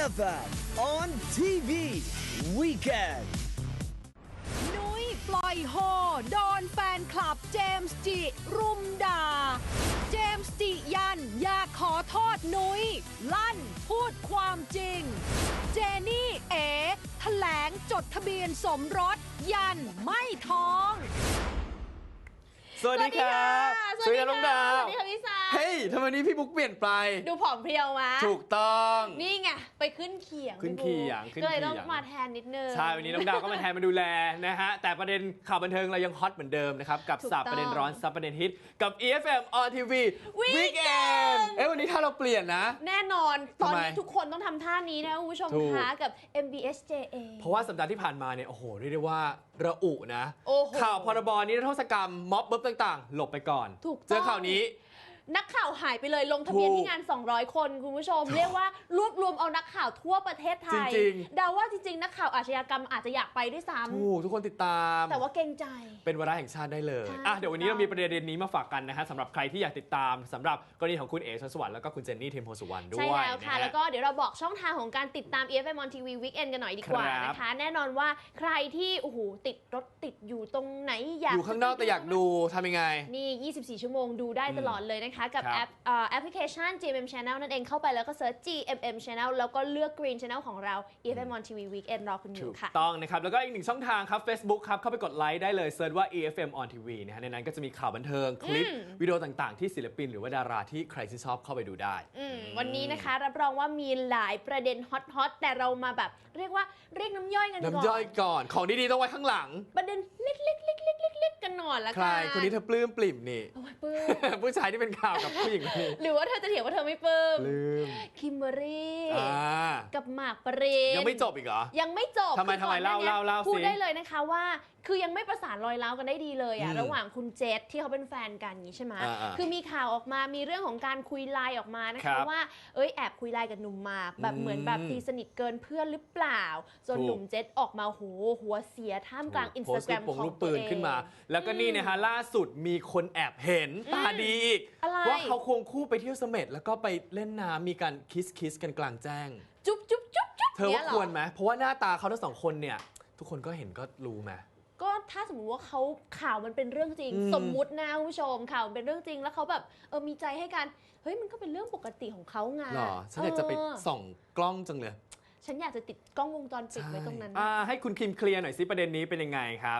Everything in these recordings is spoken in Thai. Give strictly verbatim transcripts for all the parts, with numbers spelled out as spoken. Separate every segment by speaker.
Speaker 1: F M on ที วี Weekend
Speaker 2: นุ้ยปล่อยโฮโดนแฟนคลับเจมส์จิรุมด่าเจมส์จิยันอยากขอโทษนุ้ยลั่นพูดความจริงเจนี่เอ๋แถลงจดทะเบียนสมรสยันไม่ท้อง
Speaker 3: สวัสดีครับ
Speaker 4: สวัสดีค่ะ
Speaker 3: น้องดาว
Speaker 4: สวัสดีค่ะพี่สาว
Speaker 3: เฮ้ยทำไมนี้พี่บุ๊กเปลี่ยนไป
Speaker 4: ดูผอมเพรียวมา
Speaker 3: ถูกต้อง
Speaker 4: นี่ไงไปขึ้นเขียง
Speaker 3: ขึ้นเขียงขึ้น
Speaker 4: ก็เลย
Speaker 3: เขียง
Speaker 4: ต้องมาแทนนิดนึง
Speaker 3: ใช่วันนี้น้องดาวก็มาแทนมาดูแลนะฮะแต่ประเด็นข่าวบันเทิงเรายังฮอตเหมือนเดิมนะครับกับ
Speaker 4: ถูก
Speaker 3: สาบ
Speaker 4: ต้อง
Speaker 3: ประเด็นร้อนซับประเด็นฮิตกับ อี เอฟ เอ็ม on ที วี
Speaker 4: Weekend
Speaker 3: Weekend เอ้ยวันนี้ถ้าเราเปลี่ยนนะ
Speaker 4: แน่นอนตอนนี้
Speaker 3: ทำไม
Speaker 4: ทุกคนต้องทำท่านี้นะคุณผู้ชม
Speaker 3: ถูก
Speaker 4: คะกับ เอ็ม บี เอส เจ เอ
Speaker 3: เพราะว่าสัปดาห์ที่ผ่านมาเนี่ยโอ้โหเรียกได้ว่าระอุนะ
Speaker 4: โอ้โห
Speaker 3: ข่าวพรบนิรโทษกรรมม็อบเบิร์บต่างๆ หลบไปก่อน
Speaker 4: ถูกต้อง
Speaker 3: เจอข่าวนี้
Speaker 4: นักข่าวหายไปเลยลงทะเบียน
Speaker 3: ถูก
Speaker 4: ที่งาน สองร้อย คนคุณผู้ชม เรียกว่ารวบรวมเอานักข่าวทั่วประเทศไทย
Speaker 3: จริง
Speaker 4: เดาว่าจริงๆ นักข่าวอาชญากรรมอาจจะอยากไปด้วยซ้
Speaker 3: ถูกทุกคนติดตาม
Speaker 4: ำแต่ว่าเกรงใจ
Speaker 3: เป็นวาระแห่งชาติได้เลย
Speaker 4: ใช่
Speaker 3: อ่ะเดี๋ยววันนี้เรามีประเด็นนี้มาฝากกันนะฮะสำหรับใครที่อยากติดตามสำหรับกรณีของคุณเอ๋ชลสวัสดิ์แล้วก็คุณเจนนี่เทมโพสุวรรณด้วย
Speaker 4: ใช่แล้วค่ะ
Speaker 3: นฮ
Speaker 4: แล้วก็เดี๋ยวเราบอกช่องทางของการติดตาม อี เอฟ เอ็ม on ที วี Weekend กันหน่อยดีกว่า
Speaker 3: ครับ
Speaker 4: นะคะ แน่นอนว่าใครที่โอ้โหติดรถติดอยู่ตรงไหนอยาก
Speaker 3: อยู่ข้างนอกแต่อยากดูทำยังไง
Speaker 4: นี่ ยี่สิบสี่ ชั่วโมงดูได้ตลอดเลยนะคะ กับ
Speaker 3: ครับ
Speaker 4: แอปเอ่อแอปพลิเคชัน จี เอ็ม เอ็ม Channel นั่นเองเข้าไปแล้วก็เซิร์ช จี เอ็ม เอ็ม Channel แล้วก็เลือก Green Channel ของเรา อี เอฟ เอ็ม on ที วี Weekend รอคุณอ
Speaker 3: ถู
Speaker 4: ยู่
Speaker 3: ก
Speaker 4: ค่ะ
Speaker 3: ต้องนะครับ แล้วก็อีกหนึ่งช่องทางครับ Facebook ครับ เข้าไปกดไลค์ได้เลยเซิร์ชว่า อี เอฟ เอ็ม on ที วี นะฮะในนั้นก็จะมีข่าวบันเทิง คลิป
Speaker 4: อืม
Speaker 3: วิดีโอต่างๆ ที่ศิลปินหรือว่าดาราที่ใครที่นชอบเข้าไปดูได้
Speaker 4: อืมวันนี้นะคะรับรองว่ามีหลายประเด็นฮอตๆแต่เรามาแบบเรียกว่าเรียกน้ำย่อยกันก่อน
Speaker 3: น้ำย่อยก่อน ของดีๆต้องไว้ข้างหลัง
Speaker 4: ประเด็นเล็กๆๆๆๆๆกันหน่อยละ
Speaker 3: ใคร
Speaker 4: กัน
Speaker 3: คนนี้เธอปลื้มปลิ่มนี่
Speaker 4: โอ้ยปื้ม
Speaker 3: ผู้ชายที่เป็นข่าวกับผู้หญิงคนนี้
Speaker 4: หรือว่าเธอจะเถียงว่าเธอไม่ปลื้ม
Speaker 3: ปลื้ม
Speaker 4: คิมเบอรรี่
Speaker 3: อ่า
Speaker 4: กับหมากปริน
Speaker 3: ยังไม่จบอีกเหรอ
Speaker 4: ยังไม่จบ
Speaker 3: ทำไม
Speaker 4: คือก่อน
Speaker 3: ทำไมเล่า
Speaker 4: หน้นี้
Speaker 3: เล่าเล่า
Speaker 4: พูด
Speaker 3: สิ
Speaker 4: ได้เลยนะคะว่าคือยังไม่ประสานรอยร้าวกันได้ดีเลยอะ
Speaker 3: อืม
Speaker 4: ระหว่างคุณเจษที่เขาเป็นแฟนกันอย่างนี้ใช่ไหม
Speaker 3: อ่าๆ
Speaker 4: คือมีข่าวออกมามีเรื่องของการคุยไลน์ออกมานะ
Speaker 3: ครั
Speaker 4: คะ
Speaker 3: บ
Speaker 4: ว่าเอ้ยแอบคุยไลน์กับหนุ่มหมากแบบ
Speaker 3: อืม
Speaker 4: เหมือนแบบตีสนิทเกินเพื่อนหรือเปล่าจน
Speaker 3: ถูก
Speaker 4: หนุ่มเจษออกมาโหหัวเสียท่ามกลางอินส
Speaker 3: โพ
Speaker 4: ตา
Speaker 3: สต์
Speaker 4: แกร
Speaker 3: รู
Speaker 4: ม
Speaker 3: ปปง
Speaker 4: ของ
Speaker 3: รูป
Speaker 4: ตั
Speaker 3: ปื
Speaker 4: วน เอง
Speaker 3: ขึ้นมา แล้วก็นี่นะฮะล่าสุดมีคนแอบเห็นตาดีอีก
Speaker 4: อะไร
Speaker 3: ว่าเขาควงคู่ไปเที่ยวเสม็ดแล้วก็ไปเล่นน้ำมีการคิสคิสกันกลางแจ้ง
Speaker 4: จุ๊บจุ๊บจุ๊บจุ๊บ
Speaker 3: เธอว่า
Speaker 4: นี่ยห
Speaker 3: ควรไหมเพราะว่าหน้าตาเขาทั้งสองคนเนี่ย ทุกคนก็เห็นก็รู้ไหม
Speaker 4: ก็ถ้าสมมติว่าเขาข่าวมันเป็นเรื่องจริง
Speaker 3: อืม
Speaker 4: สมมุตินะคุณผู้ชมข่าวมันเป็นเรื่องจริง แล้วเขาแบบเออมีใจให้กันเฮ้ยมันก็เป็นเรื่องปกติของเขาไง
Speaker 3: หรอฉันอยากจะไป
Speaker 4: เออ
Speaker 3: ส่องกล้องจังเลย
Speaker 4: ฉันอยากจะติดกล้องวงจรปิดไว้ตรงนั้น
Speaker 3: อ่าให้คุณคิมเคลียร์หน่อยสิประเด็นนี้เป็นยังไงครับ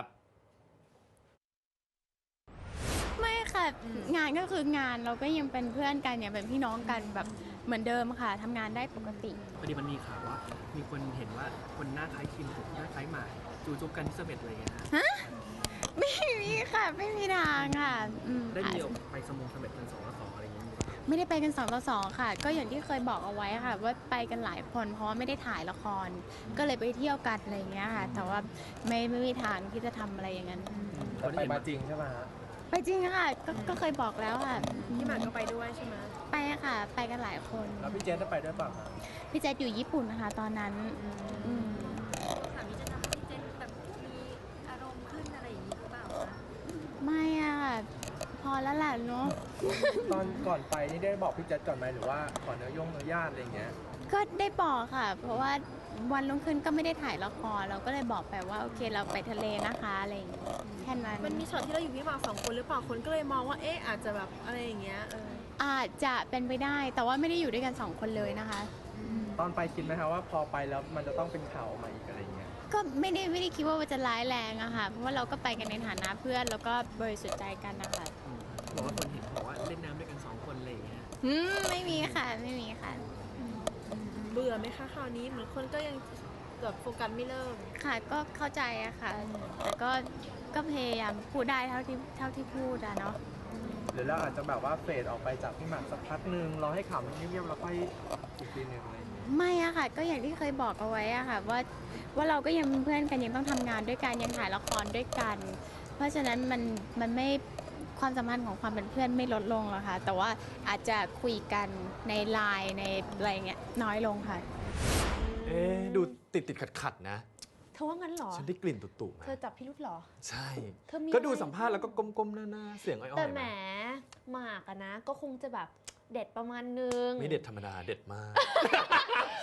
Speaker 5: ไม่ค่ะ งานก็คืองานเราก็ยังเป็นเพื่อนกันเนี่ยเป็นพี่น้องกันแบบเหมือนเดิมค่ะทำงานได้ปกติ
Speaker 6: พอดีมันมีข่าวว่ามีคนเห็นว่าคนหน้าคล้ายคิมกับหน้าคล้ายหมากจูจุ๊บกันที่เสม็ดอะไรอย่างเงี้ยนะ
Speaker 5: ไม่มีค่ะ ไม่มีทางค่ะอืม
Speaker 6: ได้
Speaker 5: ค่ะ
Speaker 6: มีออกไปสมงเสม็ดกันสองต่อสองอะไรอย่างเงี้ย
Speaker 5: ไม่ได้ไปกันสองต่อสองค่ะ ก็อย่างที่เคยบอกเอาไว้ค่ะ ว่าไปกันหลายคนเพราะว่าไม่ได้ถ่ายละคร ก็เลยไปเที่ยวกันอะไรอย่างเงี้ยค่ะ แต่ว่าไม่ไม่มีทางที่จะทำอะไรอย่างนั้น
Speaker 6: เขาไปมาจริงใช่ไหมฮะ
Speaker 5: ไปจริงค่ะกก็เคยบอกแล้วค่ะ
Speaker 4: พี่หมากก็ไปด้วยใช่ไหม
Speaker 5: ไปค่ะ ไปกันหลายคน
Speaker 6: แล้วพี่เจนจะไปด้วยเปล่าครับ
Speaker 5: พี่แจ๊ดอยู่ญี่ปุ่นนะคะตอนนั้นอืม
Speaker 7: ถามนี้จะทำให้พี่เจนแบบมีอารมณ์ขึ้นอะไรอย่างนี้หรือเปล่าคะ
Speaker 5: ไม่อะค่ะ พอแล้วแหละเนาะ
Speaker 8: ตอนก่อนไปนี่ได้บอกพี่แจ๊ดก่อนไหมหรือว่าขอเนื้อยงเนื้อญาติอะไรอย่างเงี้ย
Speaker 5: ก็ได้บอกค่ะ เพราะว่าวันรุ่งขึ้นก็ไม่ได้ถ่ายละครเราก็เลยบอกไปว่าโอเคเราไปทะเลนะคะอะไรอย่างเงี้ยแค่นั้น
Speaker 7: มันมีช็อตที่เราอยู่พี่หมากสองคนหรือเปล่าคนก็เลยมองว่าเอ๊ะอาจจะแบบอะไรอย่างเงี้ยเออ
Speaker 5: อาจจะเป็นไปได้ แต่ว่าไม่ได้อยู่ด้วยกันสองคนเลยนะคะ
Speaker 8: ตอนไปคิดไหมคะว่าพอไปแล้วมันจะต้องเป็นข่าวออกมาอีกอะไรอย่างเงี้ย
Speaker 5: ก็ไม่ได้ไม่ได้คิดว่ามันจะร้ายแรงอะค่ะ เพราะว่าเราก็ไปกันในฐานะเพื่อนแล้วก็บริสุทธิ์ใจกันนะคะ
Speaker 6: บอกว่าคนเห็นบอกว่าเล่นน้ำด้วยกันสองคนอะไรอย่างเงี้ย
Speaker 5: อืมไม่มีค่ะไม่มีค่ะ
Speaker 7: เบื่อไหมคะคราวนี้เหมือนคนก็ยังแบบโฟกัสไม่เลิก
Speaker 5: ค่ะก็เข้าใจอะค่ะ แต่ก็ก็พยายามพูดได้เท่าที่เท่าที่พูดอะเนาะ
Speaker 8: หรือเราอาจจะแบบว่าเฟดออกไปจากพี่หมากสักพักหนึ่งรอให้ข่าวมันเงียบๆแล้วค่อยอีกทีหนึ่งอะไรอย่างเงี้ย
Speaker 5: ไม่อะค่ะ ก็อย่างที่เคยบอกเอาไว้อะค่ะว่าว่าเราก็ยังเป็นเพื่อนกันยังต้องทำงานด้วยกันยังถ่ายละครด้วยกัน เพราะฉะนั้นมันมันไม่ความสัมพันธ์ของความเป็นเพื่อนไม่ลดลงหรอกค่ะ แต่ว่าอาจจะคุยกันในไลน์ในอะไรเงี้ยน้อยลงค่ะ
Speaker 3: เอ๊ะดูติดติดขัดขัดๆนะ
Speaker 4: เธอว่างั้นเหรอ
Speaker 3: ฉันได้กลิ่นตุ่ๆไหม
Speaker 4: เธอจับพี่รุธเหรอ
Speaker 3: ใช่
Speaker 4: เธอมี
Speaker 3: ก็ดู
Speaker 4: อะไร
Speaker 3: สัมภาษณ์แล้วก็ก้มๆหน้าๆเสียงอ้อยๆ
Speaker 4: แต่แหม
Speaker 3: นะ
Speaker 4: หมากอะนะ ก็คงจะแบบเด็ดประมาณนึง
Speaker 3: ไม่เด็ดธรรมดาเด็ดมาก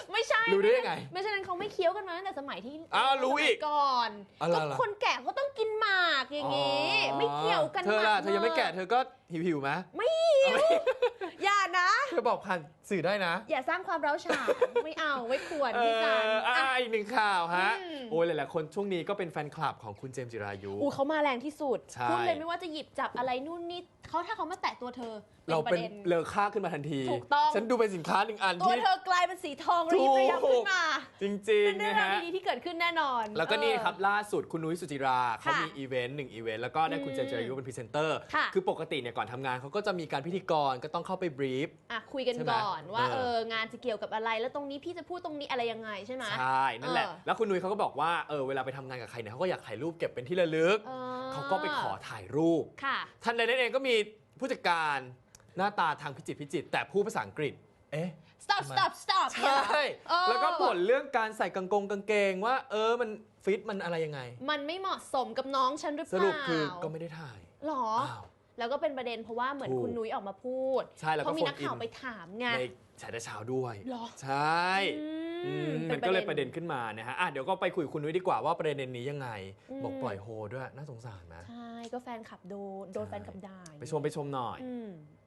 Speaker 4: ไม่ใช่
Speaker 3: รู้ได้ยังไง
Speaker 4: ไม่ใช่นั้นเขาไม่เคี้ยวกันมาตั้งแต่สมัยที่
Speaker 3: อ้าวรู้อีก
Speaker 4: สมัยก่อน
Speaker 3: อะไร
Speaker 4: ก็
Speaker 3: ล่ะ
Speaker 4: คนแก่เขาต้องกินหมากอย่างงี้
Speaker 3: อ๋อ
Speaker 4: ไม่เกี่ยวกัน
Speaker 3: เธอล่ะ
Speaker 4: หาก
Speaker 3: เธอยังไม่แก่เธอก็หิวหิวๆไหม
Speaker 4: ไม่หิวอย่านะ
Speaker 3: เธอบอกผ่านสื่อได้นะ
Speaker 4: อย่าสร้างความร้าวฉานไม่เอาไม่ควร
Speaker 3: เอ
Speaker 4: พี่จัน
Speaker 3: ออ่ะ
Speaker 4: อ่ะ
Speaker 3: อีกหนึ่งข่าวฮะ
Speaker 4: อืม
Speaker 3: โอ้ยหลายๆคนช่วงนี้ก็เป็นแฟนคลับของคุณเจมส์จิรายุ
Speaker 4: อูเขามาแรงที่สุด
Speaker 3: ใช่
Speaker 4: พูดเลยไม่ว่าจะหยิบจับอะไรนู่นนี่เขาถ้าเขามาแตะตัวเธอ
Speaker 3: เรา
Speaker 4: ประ
Speaker 3: เป็น
Speaker 4: เด็น
Speaker 3: เลอค่าขึ้นมาทันที
Speaker 4: ถูกต้อง
Speaker 3: ฉันดูเป็นสินค้าหนึ่งอัน
Speaker 4: ตัว
Speaker 3: ที่
Speaker 4: เธอกลายเป็นสีทอง
Speaker 3: ถู
Speaker 4: รี
Speaker 3: ก
Speaker 4: บระยับขึ้นมา
Speaker 3: จริง
Speaker 4: เป็น
Speaker 3: ๆ
Speaker 4: เรื่อ
Speaker 3: นะ
Speaker 4: งราว
Speaker 3: ฮะ
Speaker 4: ดีๆที่เกิดขึ้นแน่นอน
Speaker 3: แล้วก็นี่
Speaker 4: เออ
Speaker 3: ครับล่าสุดคุณนุ้ยสุจิราเขา
Speaker 4: ค่ะ
Speaker 3: มีอีเวนต์หนึ่งอีเวนต์แล้วก็ได้คุณเจมส์จิรายุเป็นพรีเซนเตอร์
Speaker 4: ค่ะ
Speaker 3: คือปกติเนี่ยก่อนทำงานเขาก็จะมีการพิธีกรก็ต้องเข้าไปบรีฟ
Speaker 4: อ่ะคุยกัน
Speaker 3: ใช่ไหม
Speaker 4: ก่อนว่า
Speaker 3: เออ
Speaker 4: เอองานจะเกี่ยวกับอะไร แล้วตรงนี้พี่จะพูดตรงนี้อะไรยังไงใช่ไหม
Speaker 3: ใช่ นั่นแหละ
Speaker 4: เออ
Speaker 3: แล้วคุณนุ้ยเขาก็บอกว่าเออเวลาไปทำงานกับใครเนี่ยเขาก็อยากถ่ายรูปเก็บเป็นที่ระลึก
Speaker 4: เออ
Speaker 3: เขาก็ไปขอถ่ายรูป
Speaker 4: ค่ะ
Speaker 3: ทันใดนั้นเองก็มีผู้จัดการหน้าตาทางพิจิตรพิจิตรแต่พูดภาษาอังกฤษ เอ๊ะ
Speaker 4: stop stop stop
Speaker 3: ใช่
Speaker 4: เออ
Speaker 3: แล้วก็บ่นเรื่องการใส่กางกงกางเกงว่า เออมันฟิตมันอะไรยังไง
Speaker 4: มันไม่เหมาะสมกับน้องฉันหรือเป
Speaker 3: ส
Speaker 4: ล่า
Speaker 3: รุปคือก็ไม่ได้ถ่าย
Speaker 4: หรอ
Speaker 3: อ้าว
Speaker 4: แล้วก็เป็นประเด็นเพราะว่าเหมือน
Speaker 3: ถูก
Speaker 4: คุณนุ้ยออกมาพูด
Speaker 3: ใช่แล้วก็
Speaker 4: เพราะมีนักข่าว
Speaker 3: โฟนอิน
Speaker 4: ไปถามไง
Speaker 3: ในฉายแต่เช้าด้วย
Speaker 4: หรอ
Speaker 3: ใช่
Speaker 4: อืม
Speaker 3: อืม
Speaker 4: เป็
Speaker 3: มัน
Speaker 4: น
Speaker 3: ก็เลย
Speaker 4: ป
Speaker 3: ประ ระ
Speaker 4: เด็
Speaker 3: เด็
Speaker 4: น
Speaker 3: นขึ้นมานะฮะอ่ะเดี๋ยวก็ไปคุยกับคุณนุ้ยดีกว่าว่าประเด็นนี้ยังไง
Speaker 4: อืม
Speaker 3: บอกปล่อยโฮด้วยน่าสงสารไหม
Speaker 4: ใช่ก็แฟนคลับโดนโดน
Speaker 3: ใช่
Speaker 4: แฟนคลับด่า
Speaker 3: ไปชมไปชมหน่อย
Speaker 4: อืม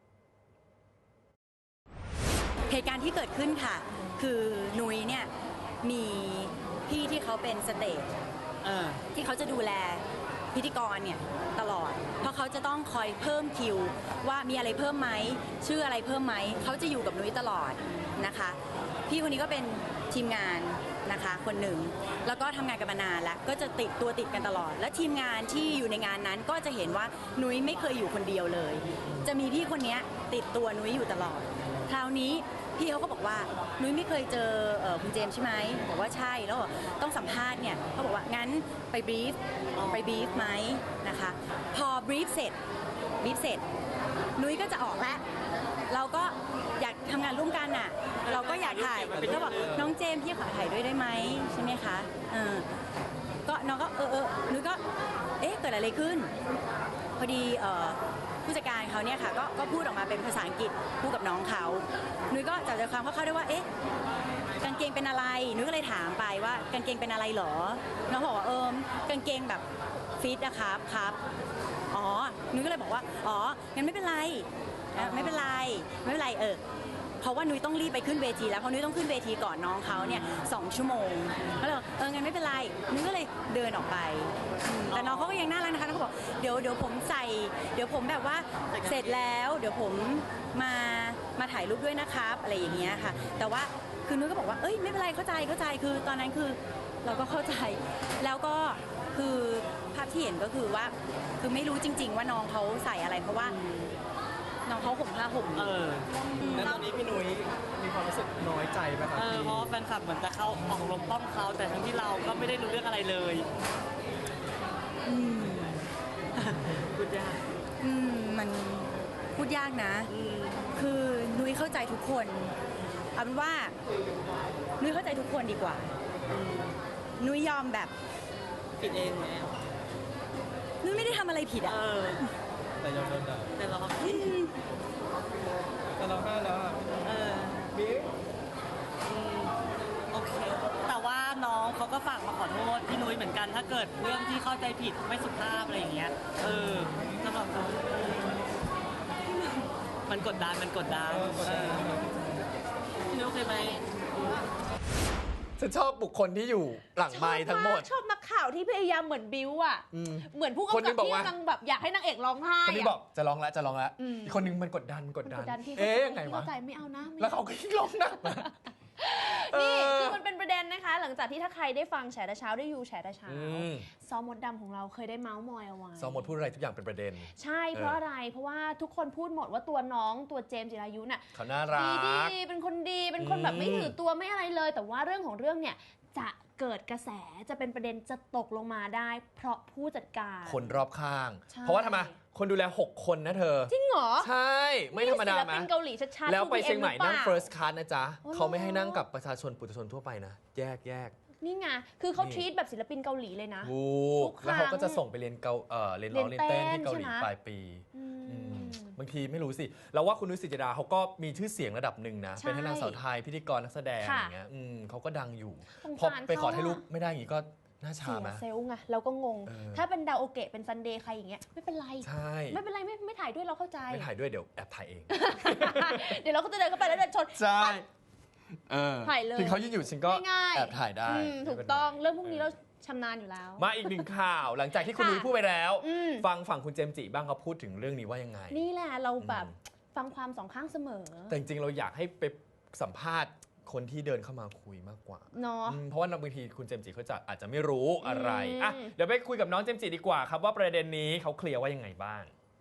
Speaker 9: เหตุการณ์ที่เกิดขึ้นค่ะ คือนุ้ยเนี่ยมีพี่ที่เขาเป็นสเตจที่เขาจะดูแลพิธีกรเนี่ยตลอด เพราะเขาจะต้องคอยเพิ่มคิวว่ามีอะไรเพิ่มไหมชื่ออะไรเพิ่มไหมเขาจะอยู่กับนุ้ยตลอดนะคะ พี่คนนี้ก็เป็นทีมงานนะคะคนหนึ่งแล้วก็ทำงานกันมานานแล้วก็จะติดตัวติดกันตลอด และทีมงานที่อยู่ในงานนั้นก็จะเห็นว่านุ้ยไม่เคยอยู่คนเดียวเลย จะมีพี่คนนี้ติดตัวนุ้ยอยู่ตลอด คราวนี้พี่เขาก็บอกว่านุ้ยไม่เคยเจอเอ่อคุณเจมส์ใช่ไหมบอกว่าใช่แล้วบอกต้องสัมภาษณ์เนี่ยเขาบอกว่างั้นไปบรีฟไปบรีฟไหมนะคะพอบรีฟเสร็จบรีฟเสร็จนุ้ยก็จะออกแล้วเราก็อยากทำงานร่วมกันน่ะเราก็อยากถ่ายก็บอกน้องเจมส์พี่ขอถ่ายด้วยได้ไหมใช่ไหมคะเออก็น้องก็เออเออนุ้ยก็เอ๊ะเกิดอะไรขึ้นพอดีเอ่อผู้จัดการเขาเนี่ยค่ะก็ก็พูดออกมาเป็นภาษาอังกฤษพูดกับน้องเขานุ้ยก็จับใจความคร่าวๆได้ว่าเอ๊ะกางเกงเป็นอะไรนุ้ยก็เลยถามไปว่ากางเกงเป็นอะไรเหรอน้องบอกว่าเออกางเกงแบบฟิตนะครับครับอ๋อนุ้ยก็เลยบอกว่าอ๋องั้นไม่เป็นไรอ่ะไม่เป็นไรไม่เป็นไรเออเพราะว่านุ้ยต้องรีบไปขึ้นเวทีแล้วเพราะนุ้ยต้องขึ้นเวทีก่อนน้องเขาเนี่ยสองชั่วโมงก็เลยบอกเอองั้นไม่เป็นไรนุ้ยก็เลยเดินออกไปอืมแต่น้องเขาก็ยังน่ารักนะคะเขาบอกเดี๋ยวเดี๋ยวผมใส่เดี๋ยวผมแบบว่าเสร็จแล้วเดี๋ยวผมมามาถ่ายรูปด้วยนะครับอะไรอย่างเงี้ยค่ะแต่ว่าคือนุ้ยก็บอกว่าเอ้ยไม่เป็นไรเข้าใจเข้าใจคือตอนนั้นคือเราก็เข้าใจแล้วก็คือภาพที่เห็นก็คือว่าคือไม่รู้จริง ๆ ว่าน้องเขาใส่อะไรเพราะว่าน้องเขาห่มผ้าห่ม
Speaker 6: เออ
Speaker 8: แล้วตอนนี้พี่นุ้ยมีความรู้สึกน้อยใจไหมครับ
Speaker 6: เออ
Speaker 8: ที่
Speaker 6: เพราะว่าแฟนคลับเหมือนจะเข้าออกลมป้อมเขาแต่ทั้งที่เราก็ไม่ได้รู้เรื่องอะไรเลย
Speaker 9: อืม
Speaker 6: พูดยาก
Speaker 9: อืมมันพูดยากนะ
Speaker 6: อืม
Speaker 9: คือนุ้ยเข้าใจทุกคนเอาเป็นว่านุ้ยเข้าใจทุกคนดีกว่า นุ้ยยอมแบบ
Speaker 6: ผิดเองไหม
Speaker 9: นุ้ยไม่ได้ทำอะไรผิด
Speaker 6: เอ
Speaker 9: อ่ะ
Speaker 6: อ
Speaker 8: แต่ยอมโดนด่า
Speaker 6: แต่เราก็
Speaker 9: อืม
Speaker 8: แต่เราห้าแล้วอะ
Speaker 6: เออ
Speaker 8: บิ๊ก
Speaker 6: อืมโอเค แต่ว่าน้องเขาก็ฝากมาขอโทษพี่นุ้ยเหมือนกันถ้าเกิดเรื่องที่เข้าใจผิดไม่สุภาพอะไรอย่างเงี้ย เออสำหรับเขามันกดดันมันกดดันเออพี่นุ้ยโอเคไหม
Speaker 3: ฉันชอบบุคคลที่อยู่หลังไมค์ทั้งหมด
Speaker 4: ชอบนักข่าวที่พยายามเหมือนบิ้วอ่ะ
Speaker 3: อืม
Speaker 4: เหมือนผู้
Speaker 3: คน
Speaker 4: กำ
Speaker 3: นึ
Speaker 4: กับ
Speaker 3: งบอก
Speaker 4: ที่
Speaker 3: ว่า
Speaker 4: กำลังแบบอยากให้นางเอกร้องไห้
Speaker 3: คนนี้
Speaker 4: อะ
Speaker 3: บอกจะร้องแล้วจะร้องแล้ว
Speaker 4: อืม
Speaker 3: อีกคนนึงมันกดดันกด
Speaker 4: มัน
Speaker 3: ดั
Speaker 4: ก
Speaker 3: น
Speaker 4: ดดันพี่
Speaker 3: เอ๊ะยังไงวะ
Speaker 4: เข้าใจไม่เอานะไม่
Speaker 3: แล้วเขาก็ยิ่งร้องหนักนะ
Speaker 4: นี่
Speaker 3: เออ
Speaker 4: คือมันเป็นประเด็นนะคะ หลังจากที่ถ้าใครได้ฟังแฉแต่เช้าได้ยูแฉแต่เช้า
Speaker 3: อืม
Speaker 4: ซอมมดดำของเราเคยได้เมาส์มอยเอาไว้
Speaker 3: ซอมหมดพูดอะไรทุกอย่างเป็นประเด็น
Speaker 4: ใช่เพราะอะไร เพราะว่าทุกคนพูดหมดว่าตัวน้องตัวเจมส์จิรายุน่ะ
Speaker 3: เขาน่ารั
Speaker 4: ดี
Speaker 3: ก
Speaker 4: ดีเป็นคนดีเป็นคนแบบไม่ถือตัวไม่อะไรเลย แต่ว่าเรื่องของเรื่องเนี่ยจะเกิดกระแสจะเป็นประเด็นจะตกลงมาได้ เพราะผู้จัดการ
Speaker 3: คนรอบข้าง
Speaker 4: ใช่
Speaker 3: เพราะว่าทำไมคนดูแลหกคนนะเธอ
Speaker 4: จริงเหรอ
Speaker 3: ใช่ ไม่ธรรมดา
Speaker 4: ศิล
Speaker 3: ไหม
Speaker 4: ปินเกาหลีชัดๆ
Speaker 3: แล้วไป
Speaker 4: ทู
Speaker 3: เชียงใหม่
Speaker 4: รือป
Speaker 3: นั่ง
Speaker 4: ล่า
Speaker 3: first class นะจ๊ะ
Speaker 4: อ๋อ
Speaker 3: เขาไม่ให้นั่งกับประชาชนปุถุชนทั่วไปนะ แยกแยก
Speaker 4: นี่ไงคือเขา
Speaker 3: นี่
Speaker 4: ทรีตแบบศิลปินเกาหลีเลยนะ
Speaker 3: ถู
Speaker 4: ทุ
Speaker 3: ก
Speaker 4: กครั้ง
Speaker 3: แล้วเขาก็จะส่งไปเรียนเกาเอ่อเรียนร้อง
Speaker 4: เรี
Speaker 3: เรี
Speaker 4: ย
Speaker 3: ย
Speaker 4: น
Speaker 3: น
Speaker 4: เต้
Speaker 3: เต้น
Speaker 4: น
Speaker 3: ที่เกาหลี
Speaker 4: ใช่ไหม
Speaker 3: ปลายปี
Speaker 4: อืม
Speaker 3: อืม
Speaker 10: บางทีไม่รู้สิเราว่าคุณนุ้ยศิจดาเขาก็มีชื่อเสียงระดับหนึ่งนะ
Speaker 4: ใช่
Speaker 10: เป็นทั้งนางสาวไทยพิธีกรนักแสดง
Speaker 4: ค่ะ
Speaker 10: อย่างเงี้ยอืมเขาก็ดังอยู่
Speaker 4: สง
Speaker 10: พอ
Speaker 4: สาร
Speaker 10: ไปขอ
Speaker 4: เขา
Speaker 10: ถ่ายรูป
Speaker 4: อะ
Speaker 10: ไม่ได้อย่างงี้ก็น่าชา
Speaker 4: เสีย
Speaker 10: ไหม
Speaker 4: เซลล์ไงเราก็งง
Speaker 10: เออ
Speaker 4: ถ้าเป็นดาวโอเกะเป็นซันเดย์ใครอย่างเงี้ยไม่เป็นไร
Speaker 10: ใช่
Speaker 4: ไม่เป็นไรไม่ไม่ถ่ายด้วยเราเข้าใจ
Speaker 10: ไม่ถ่ายด้วยเดี๋ยวแอบถ่ายเอง
Speaker 4: เดี๋ยวเราก็จะเดินเข้าไปแล้วเดินชน
Speaker 10: ใช่เออ
Speaker 4: ถ่ายเลย
Speaker 10: ถึงเขายืนอยู่ฉันก็
Speaker 4: ง่ายๆ
Speaker 10: แอบถ่ายได้
Speaker 4: อืมถูกต้องเรื่องพวกนี้เราชำนาญอยู่แล้ว
Speaker 10: มาอีกหนึ่งข่าว หลังจากที่คุณ
Speaker 4: ค่ะ
Speaker 10: นุ้ยพูดไปแล้ว
Speaker 4: อืม
Speaker 10: ฟังฝั่งคุณเจมส์จิบ้างเขาพูดถึงเรื่องนี้ว่ายังไง
Speaker 4: นี่แหละเราแบบ
Speaker 10: อืม
Speaker 4: ฟังความสองข้างเสมอ
Speaker 10: แต่จริงๆเราอยากให้ไปสัมภาษณ์คนที่เดินเข้ามาคุยมากกว่า
Speaker 4: เนาะ
Speaker 10: อืมเพราะว่าบางทีคุณเจมส์จิเขาจะอาจจะไม่รู้อะไร
Speaker 4: อืม
Speaker 10: อ่ะเดี๋ยวไปคุยกับน้องเจมส์จิดีกว่าครับว่าประเด็นนี้เขาเคลียร์ว่ายังไงบ้าง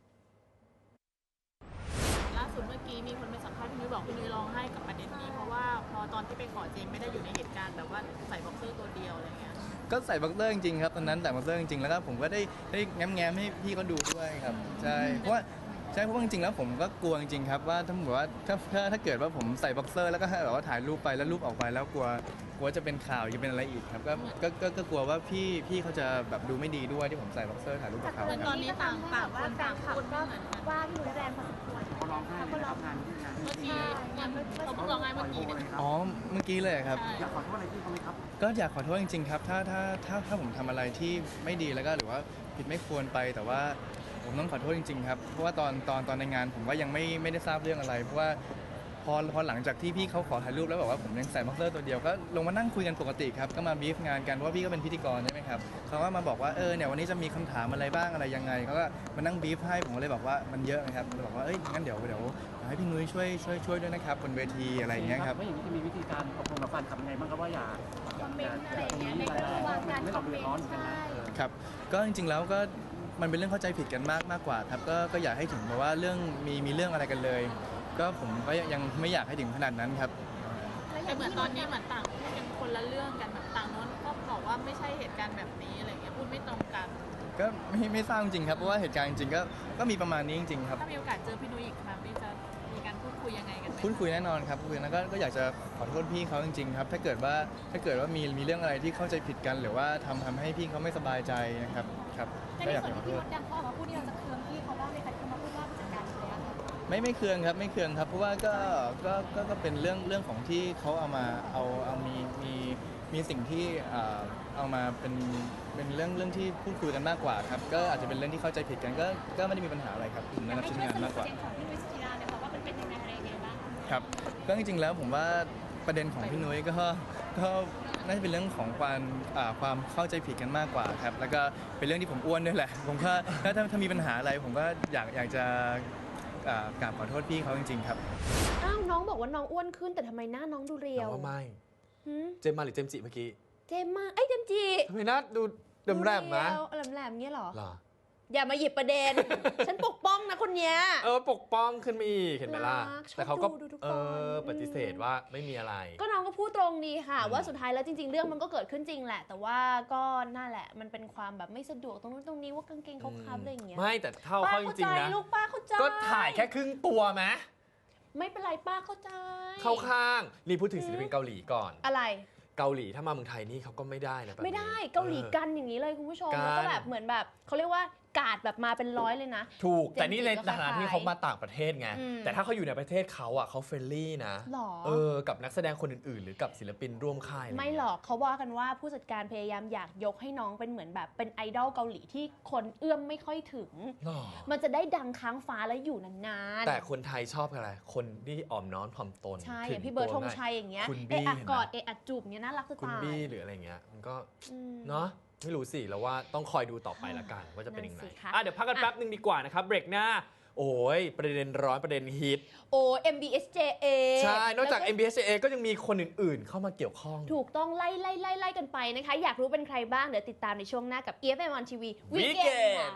Speaker 7: ล่าสุดเมื่อกี้มีคนไปสัมภาษณ์พี่นุ้ยบอกพี่นุ้ยร้องไห้กับประเด็นนี้ เพราะว่าพอตอนที่ไปขอเจมไม่ได้อยู่ในเหตุการณ์แบบว่าใส่บ็อกเซอร์ตัวเดียวอะไรเงี้ย
Speaker 11: ก็ใส่บ็อกเซอร์จริงๆครับตอนนั้นแต่บ็อกเซอร์จริงๆแล้วก็ผมก็ได้ได้แง้มๆให้พี่เขาดูด้วยครับใช่เพราะว่าใช่เพราะว่าจริงๆแล้วผมก็กลัวจริงๆครับว่าถ้าแบบว่าถ้าถ้าถ้าเกิดว่าผมใส่บ็อกเซอร์แล้วก็แบบว่าถ่ายรูปไปแล้วรูปออกไปแล้วกลัวกลัวจะเป็นข่าวจะเป็นอะไรอีกครับก็ก็ก็ก็กลัวว่าพี่พี่เขาจะแบบดูไม่ดีด้วยที่ผมใส่บ็อกเซอร์ถ่ายรูปกับเขา
Speaker 7: แต่
Speaker 11: ค
Speaker 7: ต
Speaker 11: รั
Speaker 7: อบ นนี้ต่างต่างคนต่างพูดก็
Speaker 4: ว่าพี่นุ้ยแรงพอสมควร
Speaker 8: เขาร้องไห้เลยครับงานที่งาน
Speaker 7: เมื่อกี้เนี่ยเขาเพิ่งร้องไห้เมื่อกี้เนี่ย
Speaker 11: อ๋อเมื่อกี้เลยครับ
Speaker 8: อยากขอโทษอะไรพี่เขาไหมครับ
Speaker 11: ก็อยากขอโทษจริงๆครับถ้าถ้าถ้าถ้าผมทำอะไรที่ไม่ดีแล้วก็หรือว่าผิดไม่ควรไปแต่ว่าผมต้องขอโทษจริงๆครับเพราะว่าตอนตอนตอนในงานผมก็ยังไม่ไม่ได้ทราบเรื่องอะไร เพราะว่าพอพอหลังจากที่พี่เขาขอถ่ายรูปแล้วบอกว่าผมยังใส่บ็อกเซอร์ตัวเดียวก็ลงมานั่งคุยกันปกติครับก็มาบีฟงานกันเพราะว่าพี่ก็เป็นพิธีกรใช่ไหมครับเขาก็มาบอกว่าเออเนี่ยวันนี้จะมีคำถามอะไรบ้างอะไรยังไงเขาก็มานั่งบีฟให้ผมก็เลยบอกว่ามันเยอะนะครับเลยบอกว่าเอ้ยงั้นเดี๋ยวเดี๋ยวให้พี่นุ้ยช่วยช่วยช่วยด้วยนะครับบนเวทีอะไรอย่างเงี้ยครับ
Speaker 8: ว่าอย่างนี้จะมีวิธีการตกลงกับแฟนคลับยังไงบ้างครับว่าอย่า
Speaker 4: คอมเมนต์อะไรอย่างเงี้ยในระหว่างการ
Speaker 8: ไม่
Speaker 4: ค
Speaker 8: ต้
Speaker 4: อ
Speaker 8: อง
Speaker 4: มเม
Speaker 8: เดือน ด
Speaker 4: ต์
Speaker 8: ร้อนกันนะ
Speaker 4: ใช่
Speaker 11: ครับก็จริงๆแล้วก็มันเป็นเรื่องเข้าใจผิดกันมากมากกว่าครับก็ก็อยากให้ถึงแบบว่าเรื่องมีมีเรื่องอะไรกันเลย ก็ผมก็ยังไม่อยากให้ถึงขนาดนั้นครับ
Speaker 7: แต่เหมือนตอนนี้เหมือนต่างพูดกันคนละเรื่องกันแบบต่างโน้นก็บอกว่าไม่ใช่เหตุการณ์แบบนี้อะไรเงี้ยพูดไม่ตรงกัน
Speaker 11: ก็ไม่ไม่ทราบจริงๆครับเพราะว่าเหตุการณ์จริงๆก็ก็มีประมาณนี้จริงๆครับ
Speaker 7: ถ้ามีโอกาสเจอพี่นุ้ยอีกครั้งนี่จะมีการพูดคุยยังไงกันไหม
Speaker 11: พูดคุยแน่นอนครับพูดคุยแล้วก็ก็อยากจะขอโทษพี่เขาจริงๆครับถ้าเกิดว่าถ้าเกิดว่ามีมีเรื่องอะไรที่เข้าใจผิดกัน หรือว่าทำทำให้พี่เขาไม่สบายใจนะครับครับก็อยากขอโทษ
Speaker 4: ดังเขาออกมาพูดนี่เราจะเคืองพี่เขาบ้างไหมคะที่เขามาพูดว่าผู้จัดการอยู่แล้ว
Speaker 11: ไม่ไม่เคืองครับไม่เคืองครับเพราะว่าก็ก็ก็ก็เป็นเรื่องเรื่องของที่เขาเอามาเอาเอามีมีมีสิ่งที่เอ่อเอามาเป็นเป็นเรื่องเรื่องที่พูดคุยกันมากกว่าครับก็อาจจะเป็นเรื่องที่เข้าใจผิดกันก็ก็ไม่ได้มีปัญหาอะไรครับผมนะครับชิ้นงานมากกว่า
Speaker 4: ของพี่นุ้ยสุจิราเนี่ยค่ะว่ามันเป็นยังไงอะไรยังไงบ้าง
Speaker 11: ครับก็จริงๆแล้วผมว่าประเด็นของพี่นุ้ยก็ก็น่าจะเป็นเรื่องของความอ่าความเข้าใจผิดกันมากกว่าครับแล้วก็เป็นเรื่องที่ผมอ้วนด้วยแหละผมก็ถ้าถ้าถ้ามีปัญหาอะไรผมก็อยากอยากจะอ่ากราบขอโทษพี่เขาจริงๆครับ
Speaker 4: อ้าวน้องบอกว่าน้องอ้วนขึ้นแต่ทำไมหน้าน้องดูเรียว
Speaker 10: ว่าไม่
Speaker 4: หืม
Speaker 10: เจมส์มาหรือเจมส์จิเมื่อกี้
Speaker 4: เจมมาเอ้ยเจมจี
Speaker 10: ทำไมหน้าดูเดิมแรมนะ
Speaker 4: แหลมแหลมๆเงี้ยเหรอ
Speaker 10: เหรอ
Speaker 4: อย่ามาหยิบประเด็น ฉันปกป้องนะคนเนี้ย
Speaker 10: เออปกป้องขึ้นมาอีกเห็นไหมล่ะ
Speaker 4: รักชอบ
Speaker 10: แต่เขาก็
Speaker 4: ดูดูทุกคน
Speaker 10: เออปฏิเสธว่าไม่มีอะไร
Speaker 4: ก็น้องก็พูดตรงดีค่ะ
Speaker 10: อืม
Speaker 4: ว่าสุดท้ายแล้วจริง ๆ เรื่องมันก็เกิดขึ้นจริงแหละ แต่ว่าก็นั่นแหละมันเป็นความแบบไม่สะดวกตรงนู้นตรงนี้ว่ากางเกงเขาคับอะไรอย่างเงี้ย
Speaker 10: ไม่แต่เท่า
Speaker 4: ป้า
Speaker 10: เขาจ
Speaker 4: เข้า
Speaker 10: ริ
Speaker 4: ใจ
Speaker 10: งๆนะ
Speaker 4: ลูกป้าเข้าใจ
Speaker 10: ก็ถ่ายแค่ครึ่งตัวไหม
Speaker 4: ไม่เป็นไรป้าเข้าใจ
Speaker 10: เข้าข้างนี่พูดถึงศิลปินเกาหลีก่อน
Speaker 4: อะไร
Speaker 10: เกาหลีถ้ามาเมืองไทยนี่เขาก็ไม่ได้นะแบบนี้
Speaker 4: ไม่ได้เกาหลีกันอย่างนี้เลยคุณผู้ชม
Speaker 10: กัน
Speaker 4: แล้วก็แบบเหมือนแบบเขาเรียกว่ากาดแบบมาเป็นร้อยเลยนะ
Speaker 10: ถูกแต่นี่ใน
Speaker 4: เจมส์จิก็
Speaker 10: ฐานะที่เขามาต่างประเทศไง
Speaker 4: อืม
Speaker 10: แต่ถ้าเขาอยู่ในประเทศเขาอ่ะเขาเฟรนลี่นะ
Speaker 4: หรอ
Speaker 10: เออกับนักแสดงคนอื่นๆ หรือกับศิลปินร่วมค่ายะร
Speaker 4: ไม่
Speaker 10: เงี้ย
Speaker 4: หรอกเขาว่ากันว่าผู้จัดการพยายามอยากยกให้น้องเป็นเหมือนแบบเป็นไอดอลเกาหลีที่คนเอื้อมไม่ค่อยถึง
Speaker 10: หรอ
Speaker 4: มันจะได้ดังค้างฟ้าและอยู่นานๆ
Speaker 10: แต่คนไทยชอบอะไร คนที่อ่อมน้อมถ่อมตน
Speaker 4: ใช่
Speaker 10: ถึ
Speaker 4: อย่างพี่เบิร์ดธ
Speaker 10: ตัว
Speaker 4: ง
Speaker 10: ง่าย
Speaker 4: ชัยอย่างเงี้ย
Speaker 10: คุณ
Speaker 4: เอะ
Speaker 10: บี้
Speaker 4: อะ
Speaker 10: เห็นไหม
Speaker 4: กอดเอะอะจูบเงี้ยน่ารักจะ
Speaker 10: คุณ
Speaker 4: ตาย
Speaker 10: บี้หรืออะไรเงี้ยมันก็
Speaker 4: อืม
Speaker 10: เนาะไม่รู้สิแล้วว่าต้องคอยดูต่อไปละกันว่าจะเป็นยังไง
Speaker 4: นั่นสิคะ
Speaker 10: อ่ะเดี๋ยวพักกันแป๊บนึงดีกว่านะครับเบรกหน้า โอ้ยประเด็นร้อนประเด็นฮิต
Speaker 4: โอ้ เอ็ม บี เอส เจ เอ
Speaker 10: ใช่ นอกจาก
Speaker 4: แล้ว
Speaker 10: เอ็ม บี เอส เอ ก็ยังมีคนอื่นๆ เข้ามาเกี่ยวข้อง
Speaker 4: ถูกต้องไล่ไล่ไล่ไล่กันไปนะคะ อยากรู้เป็นใครบ้าง เดี๋ยวติดตามในช่วงหน้ากับ อี เอฟ เอ็ม on ที วี Weekend ค่ะ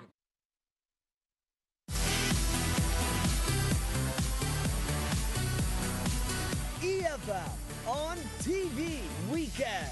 Speaker 1: อี เอฟ เอ็ม on ที วี Weekend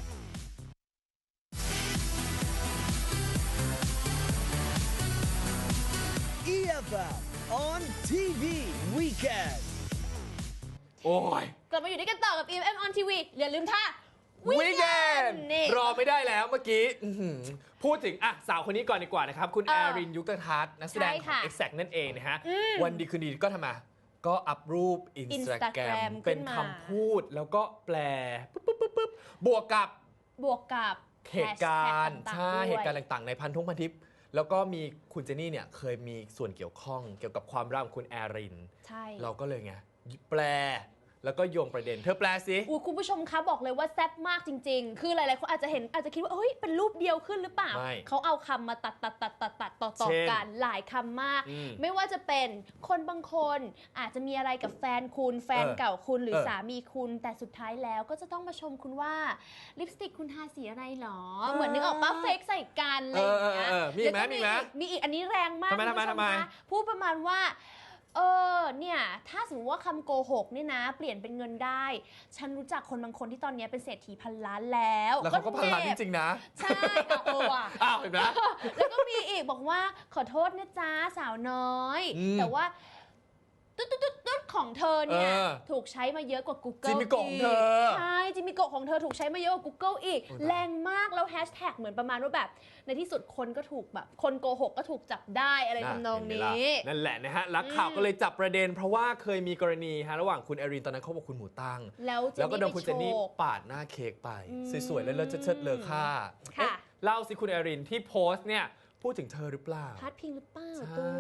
Speaker 1: อี เอฟ เอ็ม on ที วี Weekend
Speaker 10: โอ้ย
Speaker 4: กลับมาอยู่ด้วยกันต่อกับ อี เอฟ เอ็ม on ที วี อย่าลืมท่า
Speaker 10: Weekend
Speaker 4: นี่
Speaker 10: รอไม่ได้แล้วเมื่อกี้อื้อหือพูดถึงอ่ะสาวคนนี้ก่อนดีกว่านะครับ คุณ
Speaker 4: เอ
Speaker 10: แอ
Speaker 4: อ
Speaker 10: รินยุคตทัศน์นักแสดง
Speaker 4: ใช่
Speaker 10: ขอ
Speaker 4: ค่ะ
Speaker 10: ง Exact นั่นเองนะฮะ
Speaker 4: อืม
Speaker 10: วันดีคืนดีก็ทำมา ก็อัพรูป Instagram
Speaker 4: Instagram
Speaker 10: เป็น
Speaker 4: ขึ้นมา
Speaker 10: คำพูดแล้วก็แปลปุ๊บปุ๊บปุ๊บปุ๊บบวกกับบ
Speaker 4: วกกับ
Speaker 10: เหตุการณ์
Speaker 4: แฮชแท็
Speaker 10: ใช่
Speaker 4: ต่างๆด้วย
Speaker 10: เหตุการณ์ต่างๆ ในพันทุ่งพันทิป แล้วก็มีคุณเจนนี่เนี่ยเคยมีส่วนเกี่ยวข้องเกี่ยวกับความรักของคุณแอริน
Speaker 4: ใช่
Speaker 10: เราก็เลยไงแปลแล้วก็โยงประเด็นเธอแปลสิ
Speaker 4: อุ๊ยคุณผู้ชมคะบอกเลยว่าแซ่บมากจริง ๆ คือหลายๆคนอาจจะเห็นอาจจะคิดว่าเฮ้ยเป็นรูปเดียวขึ้นหรือเปล่า
Speaker 10: ไม่
Speaker 4: เขาเอาคำมาตัดตัดตัดตัดตัดต่อต่อ
Speaker 10: เช่น
Speaker 4: กันหลายคำมาก
Speaker 10: อืม
Speaker 4: ไม่ว่าจะเป็นคนบางคนอาจจะมีอะไรกับแฟนคุณแฟน
Speaker 10: เออ
Speaker 4: เก่าคุณหรือ
Speaker 10: เออ
Speaker 4: สามีคุณ แต่สุดท้ายแล้วก็จะต้องมาชมคุณว่าลิปสติกคุณทาสีอะไรหรอ เหมือนนึกออกปะเฟกใส่กันอะไรอย่างเงี้ย
Speaker 10: เออเออเออมีอีกไหม
Speaker 4: แล้วก็
Speaker 10: มีอีกไหม
Speaker 4: มีอีกอันนี้แรงมาก
Speaker 10: ทำไม
Speaker 4: คุณผู้ช
Speaker 10: ทำไม
Speaker 4: คะพูดประมาณว่าเออเนี่ยถ้าสมมติว่าคำโกหกเนี่ยนะเปลี่ยนเป็นเงินได้ ฉันรู้จักคนบางคนที่ตอนนี้เป็นเศรษฐีพันล้านแล้ว
Speaker 10: แล้วเขาก็พันล้านจริงๆนะ
Speaker 4: ใช่อ่ะเออว่ะ
Speaker 10: อ้าวเห็นไหม
Speaker 4: แล้วก็มีอีกบอกว่าขอโทษนะจ๊ะสาวน้อย
Speaker 10: อืม
Speaker 4: แต่ว่าตุ๊ดตุ๊ดตุ๊ดตุ๊ดของเธอเนี่ย
Speaker 10: เออ
Speaker 4: ถูกใช้มาเยอะกว่า Google
Speaker 10: จิมมิโกะของเธอ
Speaker 4: กใช่จิมมิโกะของเธอถูกใช้มาเยอะกว่า Google อีก
Speaker 10: โอ้ยตาย
Speaker 4: แรงมากแล้วแฮชแท็กเหมือนประมาณว่าแบบ ในที่สุดคนก็ถูกแบบ คนโกหกก็ถูกจับได้อะไรทำนอง
Speaker 10: เห็ไหม
Speaker 4: นี้
Speaker 10: ล่ะนั่นแหละนะฮะนักข่าวก็เลยจับประเด็น เพราะว่าเคยมีกรณีฮะระหว่างคุณแอรินตอนนั้นเขาบอกคุณหมูตั้ง
Speaker 4: แล้วเจนนี่
Speaker 10: แล้วก็โดนคุณเจนนี่
Speaker 4: ไปโชว์
Speaker 10: ปาดหน้าเค้กไป
Speaker 4: อืม
Speaker 10: สวยๆแล้วเลอะเชิดๆเลอค่า
Speaker 4: ค่ะ
Speaker 10: เอ๊ะเล่าสิคุณแอรินที่โพสต์เนี่ยพูดถึงเธอหรือเปล่า
Speaker 4: พาดพิงหรือเปล่า
Speaker 10: ใช่
Speaker 4: ตัว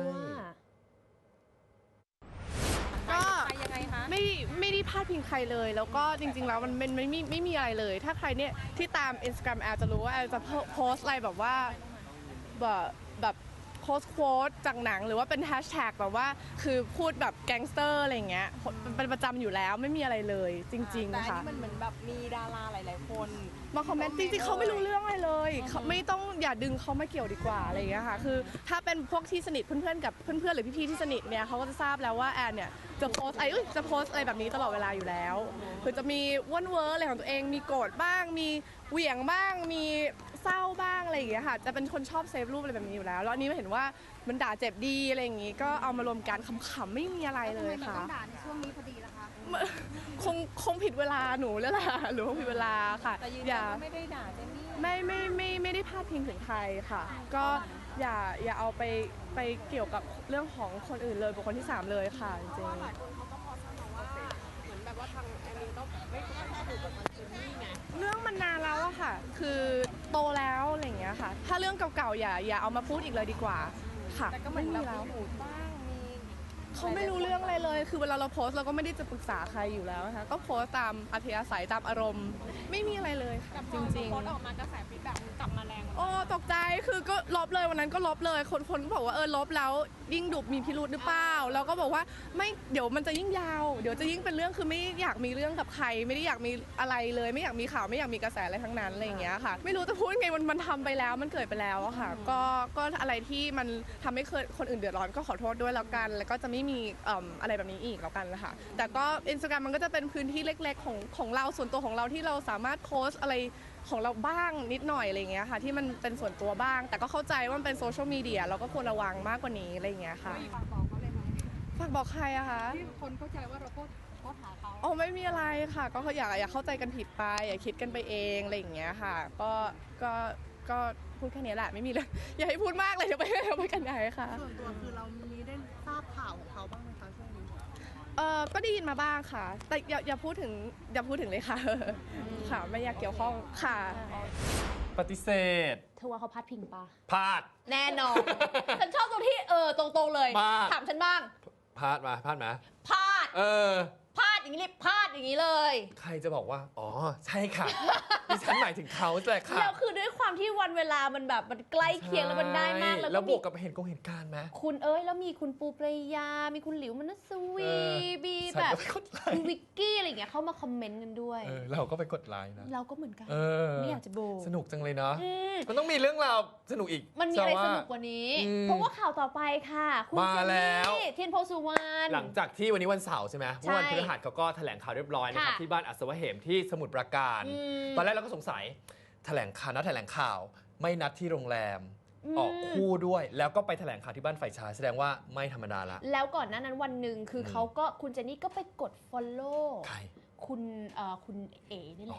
Speaker 12: ก็ไม่ไม่ได้พาดพิงใครเลย แล้วก็จริง ๆ แล้วมันเป็นไม่มีไม่มีอะไรเลย ถ้าใครเนี่ยที่ตาม Instagram แอลจะรู้ว่าแอลจะโพสต์อะไรแบบว่าแบบแบบโพสต์โค้ดจากหนังหรือว่าเป็นแฮชแท็กแบบว่าคือพูดแบบแก๊งสเตอร์อะไรอย่างเงี้ยเป็นประจำอยู่แล้วไม่มีอะไรเลยจริง
Speaker 7: แต่
Speaker 12: ๆ
Speaker 7: อัน
Speaker 12: ค่ะ
Speaker 7: นี้มันเหมือนแบบมีดาราหลาย ๆ คน
Speaker 12: มาคอมเมนต์จริงๆเขาไม่รู้เรื่องอะไรเลยเขาไม่ต้องอย่าดึงเขามาเกี่ยวดีกว่าอะไรอย่างเงี้ยค่ะคือถ้าเป็นพวกที่สนิทเพื่อนๆกับเพื่อนๆหรือพี่ๆที่สนิทเนี่ยเขาก็จะทราบแล้วว่าแอนเนี่ยจะโพสต์ไอ้ยจะโพสต์อะไรแบบนี้ตลอดเวลาอยู่แล้วคือจะมีว่นเวอร์อะไรของตัวเองมีโกรธบ้างมีเหวี่ยงบ้างมีเศร้าบ้างอะไรอย่างเงี้ยค่ะจะเป็นคนชอบเซฟรูปอะไรแบบนี้อยู่แล้วแล้วอันนี้เห็นว่ามันด่าเจ็บดีอะไรอย่างงี้ก็เอามารวมกันขำๆไม่มีอะไรเลยค่ะ
Speaker 7: ด่าในช่วงนี้พอดีละคะ
Speaker 12: คงคงผิดเวลาหนูแล้วล่ะหรือคงผิดเวลาค่ะ
Speaker 7: แต่ยืน
Speaker 12: อ
Speaker 7: ยัน
Speaker 12: ย่า
Speaker 7: ว่าไม่ได้ด่าเจนนี่
Speaker 12: ไม่ไม่ไม่ไม่ได้พาดพิงถึงใครค่ะ ก็อย่าอย่าเอาไปไปเกี่ยวกับเรื่องของคนอื่นเลยบุคคลที่สามเลยค่ะจริง
Speaker 7: หลายคนเขาก็พอสมาว่าเหมือนแบบว่าทางแอนนี่ก็ไม่ค่อยถูกกับมันเจนนี่ไง
Speaker 12: ๆเรื่องมันนานแล้วอะค่ะ คือโตแล้วอะไรอย่างเงี้ยค่ะ ถ้าเรื่องเก่าๆอย่าอย่าเอามาพูดอีกเลยดีกว่าค่ะ
Speaker 7: แต่ก็เหมื
Speaker 12: ไม่
Speaker 7: อน
Speaker 12: มี
Speaker 7: แบบ
Speaker 12: แล้ว
Speaker 7: มีหมูบ้างมี
Speaker 12: เขาไม่รู้เรื่องอะไรเลย คือเวลาเราโพสต์เราก็ไม่ได้จะปรึกษาใครอยู่แล้วนะคะก็โพสต์ตามอัธยาศัยตามอารมณ์ ไม่มีอะไรเลยค่ะจริง
Speaker 7: โพสต์
Speaker 12: ๆ
Speaker 7: ออกมากระแสฟีดแบ็กกลับมาแรง
Speaker 12: โอ้ตกใจคือก็ลบเลยวันนั้นก็ลบเลย คนคนก็บอกว่าเออลบแล้วยิ่งดุมีพิรุธหรือเปล่าแล้วก็บอกว่าไม่เดี๋ยวมันจะยิ่งยาวเดี๋ยวจะยิ่งเป็นเรื่องคือไม่อยากมีเรื่องกับใคร ไม่ได้อยากมีอะไรเลย ไม่อยากมีข่าวไม่อยากมีกระแสอะไรทั้งนั้นอะไรอย่างเงี้ยค่ะ ไม่รู้จะพูดไงมันมันทำไปแล้วมันเกิดไปแล้วอะค่ะก็ก็อะไรที่มันทำให้เคยคนอื่นเดือดร้อนก็ขอโทษด้วยแล้วกัน แล้วก็จะไม่มีเอิ่มอะไรแบบนี้อีกแล้วกันนะคะแต่ก็ Instagram มันก็จะเป็นพื้นที่เล็ก ๆ ของของเราส่วนตัวของเราที่เราสามารถโพสต์อะไรของเราบ้างนิดหน่อยอะไรอย่างเงี้ยค่ะที่มันเป็นส่วนตัวบ้าง แต่ก็เข้าใจว่ามันเป็นโซเชียลมีเดียเราก็ควรระวังมากกว่านี้อะไรอย่างเงี้ยค่ะฝากบอกเขาเลยไหมฝากบอกใครอะคะที่คนเข้าใจว่าเราโพสโพสหาเขาอ๋อไม่มีอะไรค่ะ ก็อยากอย่าเข้าใจกันผิดไปอย่าคิดกันไปเองอะไรอย่างเงี้ยค่ะก็ก็ก็พูดแค่นี้แหละไม่มีเลย อย่าให้พูดมากเลยเดี๋ยวไปเดี๋ยวไปกันใหญ่ค่ะ
Speaker 7: ส่วนตัวคือเรามีได้ทราบข่าวของเขาบ้างไหมคะช่วงนี้
Speaker 12: เออก็ได้ยินมาบ้างค่ะ แต่อย่าอย่าพูดถึงอย่าพูดถึงเลยค่ะค่ะไม่อยากเกี่ยวข้องค่ะ
Speaker 10: ปฏิเสธ
Speaker 4: เธอว่าเขาพาดพิงปะ
Speaker 10: พลาด
Speaker 4: แน่นอน ฉันชอบตรงที่เออตรงๆเลย
Speaker 10: มาก
Speaker 4: ถามฉันบ้าง
Speaker 10: พลาดมาพลาดมา
Speaker 4: พาด
Speaker 10: เออ
Speaker 4: พาดอย่างนี้เลยพาดอย่างนี้เลย
Speaker 10: ใครจะบอกว่า อ๋อ ใช่ค่ะ ดิฉันหมายถึงเขาแหละค่ะ
Speaker 4: แล้วคือด้วยความที่วันเวลามันแบบมันใกล้เคียงแล้วมันได้มาก
Speaker 10: ใช่
Speaker 4: แล้ว
Speaker 10: แล้ว
Speaker 4: ก็
Speaker 10: บ
Speaker 4: มี
Speaker 10: วกกับเหตุกงเหตุการณ์ไหม
Speaker 4: คุณเอ้ยแล้วมีคุณปูปรายา มีคุณหลิวมนัสวี
Speaker 10: เออ
Speaker 4: มี
Speaker 10: ฉัน
Speaker 4: แบบ
Speaker 10: ก็ไปกดไลค์
Speaker 4: คุณวิกกี้อะไรอย่างเงี้ยเข้ามาคอมเมนต์กันด้วย
Speaker 10: เออเราก็ไปกดไลค์นะ
Speaker 4: เราก็เหมือนกัน
Speaker 10: เออ
Speaker 4: ไม่อยากจะโบ
Speaker 10: สนุกจังเลยเนาะ
Speaker 4: อืม
Speaker 10: มันต้องมีเรื่องราวสนุกอีก
Speaker 4: มันมีอะไร
Speaker 10: แต่
Speaker 4: สนุกกว่านี้
Speaker 10: อืม
Speaker 4: เพราะว่าข่าวต่อไปค่ะ คุณ
Speaker 10: มา
Speaker 4: เจน
Speaker 10: แล้ว
Speaker 4: นี่เทียนโพสุวรรณ
Speaker 10: หลังจากที่วันนี้วันเสาร์ใช่ไหม
Speaker 4: ใช่
Speaker 10: เมื่อวันพฤหัสเขาก็แถลงข่าวเรียบร้อยนะครับ
Speaker 4: ค่ะ
Speaker 10: ที่บ้านอัศวเหมที่สมุทรปราการ
Speaker 4: อืม
Speaker 10: ตอนแรกเราก็สงสัยแถลงข่าวนัดแถลงข่าวไม่นัดที่โรงแรม
Speaker 4: อืม
Speaker 10: ออกคู่ด้วย แล้วก็ไปแถลงข่าวที่บ้านฝ่ายชายแสดงว่าไม่ธรรมดาละ
Speaker 4: แล้วก่อนหน้านั้นวันหนึ่งคืออ
Speaker 10: ม
Speaker 4: เขาก็คุณเจนนี่ก็ไปกด follow
Speaker 10: ใคร
Speaker 4: คุณเอ่อคุณเอ๋นี่แหละ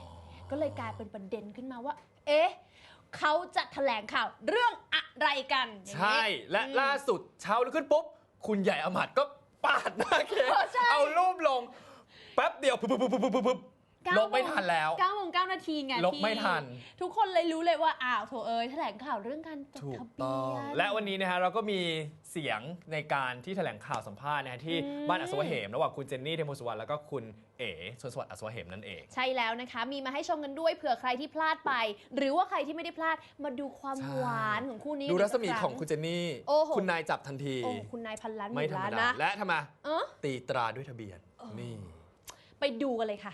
Speaker 4: ก็เลยกลายเป็นประเด็นขึ้นมาว่า เอ๊ะเขาจะแถลงข่าวเรื่องอะไรกันอย่างนี้
Speaker 10: ใช่และล่าสุดเช้าลุกขึ้นปุ๊บคุณใหญ่อมัดก็ปาดหน้าเค้กเอารูปลงแป๊บเดียวปุ๊บปุ๊บปุ๊บปุ๊บปุ๊บลบไม่ทันแล้ว
Speaker 4: เก้าโมงเก้านาทีไง
Speaker 10: ลบไม่ทัน
Speaker 4: ทุกคนเลยรู้เลยว่าอ้าวโถเอ้ยแถลงข่าวเรื่องการจด
Speaker 10: ถูก
Speaker 4: ทะเบี
Speaker 10: ต้อง
Speaker 4: ยน
Speaker 10: และวันนี้นะฮะเราก็มีเสียงในการที่แถลงข่าวสัมภาษณ์นะฮะที่
Speaker 4: อืม
Speaker 10: บ้านอัศวเหมระหว่างคุณเจนนี่เทมโพสุวรรณแล้วก็คุณเอ๋ชนสวัสดิ์อัศวเหมนั่นเอง
Speaker 4: ใช่แล้วนะคะ มีมาให้ชมกันด้วยเผื่อใครที่พลาดไป หรือว่าใครที่ไม่ได้พลาดมาดูความ
Speaker 10: ใช่
Speaker 4: หวานของคู่นี้
Speaker 10: ดูรัศมี
Speaker 4: กสัก
Speaker 10: ของคุณเจนนี่
Speaker 4: โอ้โห
Speaker 10: คุณนายจับทันที
Speaker 4: โอ้คุณนายพันล้านห
Speaker 10: ไม่
Speaker 4: มื่น
Speaker 10: ธรร
Speaker 4: ล้าม น
Speaker 10: ดา
Speaker 4: นะ
Speaker 10: และทำไม
Speaker 4: เออ
Speaker 10: ตีตราด้วยทะเบียนนี่
Speaker 4: ไปดูกันเลยค่ะ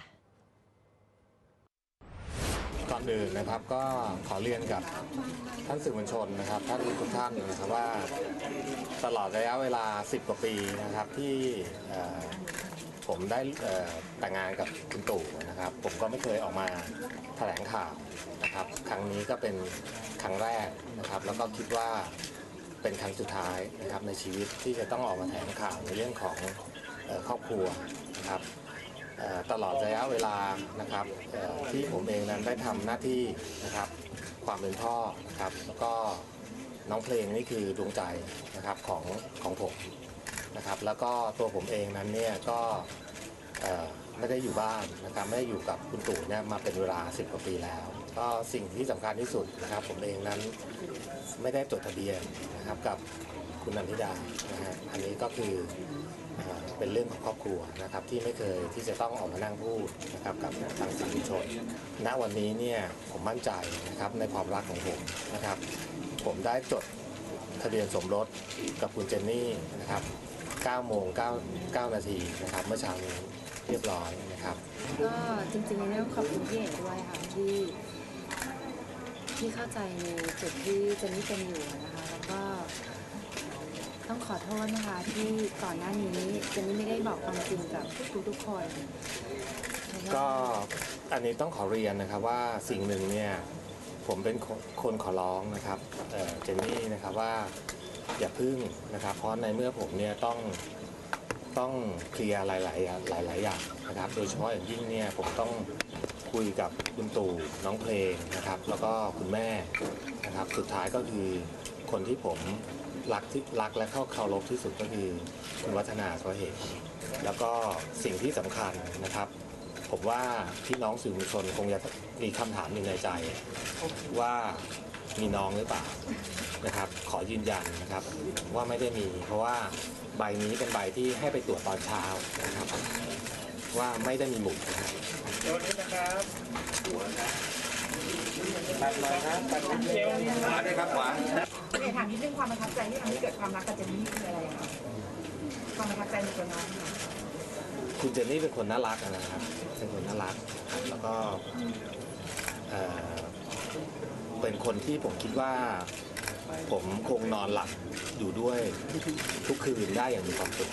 Speaker 13: ก่อนอื่นนะครับก็ขอเรียนกับท่านสื่อมวลชนนะครับท่านทุกท่านนะครับว่าตลอดระยะเวลาสิบกว่าปีนะครับที่เอ่อผมได้เอ่อแต่งงานกับคุณตู่นะครับผมก็ไม่เคยออกมาแถลงข่าวนะครับครั้งนี้ก็เป็นครั้งแรกนะครับแล้วก็คิดว่าเป็นครั้งสุดท้ายนะครับในชีวิตที่จะต้องออกมาแถลงข่าวในเรื่องของเอ่อครอบครัวนะครับเอ่อตลอดระยะเวลานะครับเอ่อที่ผมเองนั้นได้ทำหน้าที่นะครับความเป็นพ่อนะครับแล้วก็น้องเพลงนี่คือดวงใจนะครับของของผมนะครับแล้วก็ตัวผมเองนั้นเนี่ยก็เอ่อไม่ได้อยู่บ้านนะครับไม่ได้อยู่กับคุณตู่เนี่ยมาเป็นเวลาสิบกว่าปีแล้ว ก็สิ่งที่สำคัญที่สุดนะครับผมเองนั้นไม่ได้จดทะเบียนนะครับกับคุณนันทิดานะฮะอันนี้ก็คือเอ่อเป็นเรื่องของครอบครัวนะครับที่ไม่เคยที่จะต้องออกมานั่งพูดนะครับกับทางสื่อมวลชนณวันนี้เนี่ยผมมั่นใจนะครับในความรักของผมนะครับผมได้จดทะเบียนสมรสกับคุณเจนนี่นะครับเก้าโมงเก้า เก้านาทีนะครับเมื่อเช้านี้เรียบร้อยนะครับ
Speaker 14: ก็จริงๆเนี่ยต้องขอบคุณพี่เอกด้วยค่ะที่ที่เข้าใจในจุดที่เจนนี่เป็นอยู่นะคะแล้วก็ต้องขอโทษนะคะที่ก่อนหน้านี้เจนนี่ไม่ได้บอกความจริงกับทุกๆคน
Speaker 13: ก็อันนี้ต้องขอเรียนนะครับว่าสิ่งหนึ่งเนี่ยผมเป็นคนขอร้องนะครับเอ่อเจนนี่นะครับว่าอย่าพึ่งนะครับเพราะในเมื่อผมเนี่ยต้องต้องเคลียร์หลายๆหลายๆอย่างนะครับโดยเฉพาะอย่างยิ่งเนี่ยผมต้องคุยกับคุณตู่น้องเพลงนะครับแล้วก็คุณแม่นะครับสุดท้ายก็คือคนที่ผมรักที่รักและเข้าเคารพที่สุดก็คือคุณวัฒนาสวเหมแล้วก็สิ่งที่สำคัญนะครับผมว่าพี่น้องสื่อมวลชนคงจะมีคำถามอยู่ในใจว่ามีน้องหรือเปล่านะครับขอยืนยันนะครับว่าไม่ได้มีเพราะว่าใบนี้เป็นใบที่ให้ไปตรวจตอนเช้านะครับว่าไม่ได้มีหมุดนะครับ
Speaker 8: เดี๋ยวนี้นะครับตัดหน่อยนะตัดเป็นเจลขวาด้วยครับขวา
Speaker 15: เดี๋ยวถามนิดนึงความประทับใจที่ทำให้เกิดความรักกับเจนนี่คืออะไรคะความประทับใจในตัวน้องค่ะ
Speaker 13: คุณเจนนี่เป็นคนน่ารักนะครับเป็นคนน่ารักนะครับแล้วก็เอ่อเป็นคนที่ผมคิดว่าผมคงนอนหลับอยู่ด้วยทุกคืนได้อย่างมีความสุข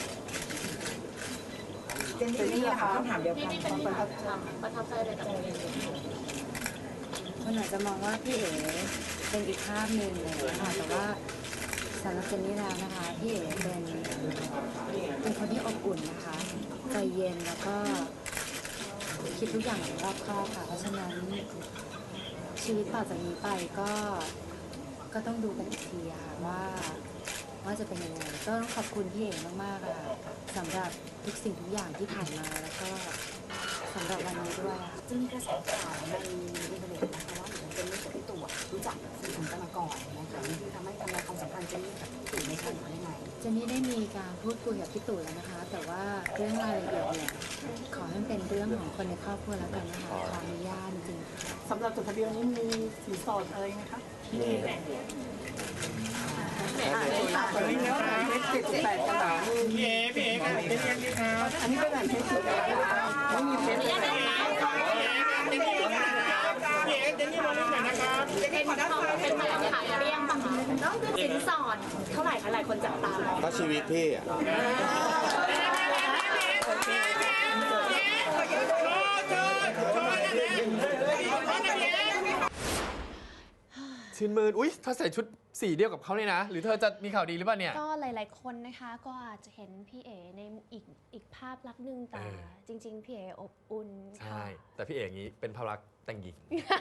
Speaker 15: เจนนี่นะคะคำถามเดียวกัน
Speaker 7: นี่เป็นประทับใจประทับใจอะไรกับตัวเอง
Speaker 14: คนอาจจะมองว่าพี่เอ๋เป็นอีกภาพหนึ่งเลยนะคะแต่ว่าสำหรับเจนนี่แล้วนะคะพี่เอ๋เป็นเป็นคนที่อบอุ่นนะคะใจเย็นแล้วก็คิดทุกอย่างอย่างรอบคอบค่ะเพราะฉะนั้นชีวิตต่อจากนี้ไปก็ก็ต้องดูกันอีกทีอะค่ะว่าว่าจะเป็นยังไงก็ต้องขอบคุณพี่เอ๋มากๆอะค่ะสำหรับทุกสิ่งทุกอย่างที่ผ่านมาแล้วก็สำหรับวันนี้ด้วยค่ะ
Speaker 15: จะมีกระแสข่าวในอินเทอร์เน็ตนะคะว่าเหมือนเจนนี่กับพี่ตู่รู้จักสื่อกันมาก่อนนะคะที่ทำให้ทำลายความสัมพันธ์เจนนี่กับพี่ตู่ในครั้งนี้ได้ไง
Speaker 14: เจนนี่ได้มีการพูดคุยกับพี่ตู่แล้วนะคะ แต่ว่าเรื่องรายละเอียดเนี่ยขอให้มันเป็นเรื่องของคนในครอบครัวแล้วกันนะคะขออนุญาตจริงๆ
Speaker 15: สำหรับจดทะเบียนนี้มีสินสอดอะไรไหมคะ
Speaker 13: มี
Speaker 15: อันนี้แล้วนะเพชรเจ็ดสิบแปดกระดาษพี่เอ๋พี่เอ๋ครับเป็นยังไงครับอันนี้เป็นแบบเพชรสุดแล้วไม่มีเพชรเลยพี่เอ๋เจนนี่มาเล่นหน่อยนะครับเจนนี่ขอด้านซ้ายเป็นแบบขายเรียงป่ะคะสินสอดเท่าไหร่คะหลายคนจับตามอง
Speaker 13: ก็ชีวิตพี่อะ
Speaker 10: ชื่นมื่นอุ้ยถ้าใส่ชุดสีเดียวกับเขาเลยนะ หรือเธอจะมีข่าวดีหรือเปล่าเนี่ย
Speaker 4: ก็หลายๆคนนะคะก็อาจจะเห็นพี่เอ๋ในอีกอีกภาพลักษณ์หนึ่งแต่
Speaker 10: เออ
Speaker 4: จริง ๆ พี่เอ๋อบอุ่น
Speaker 10: ใช่แต่พี่เอกอย่างนี้เป็นภาพลักษณ์แต่งหญิง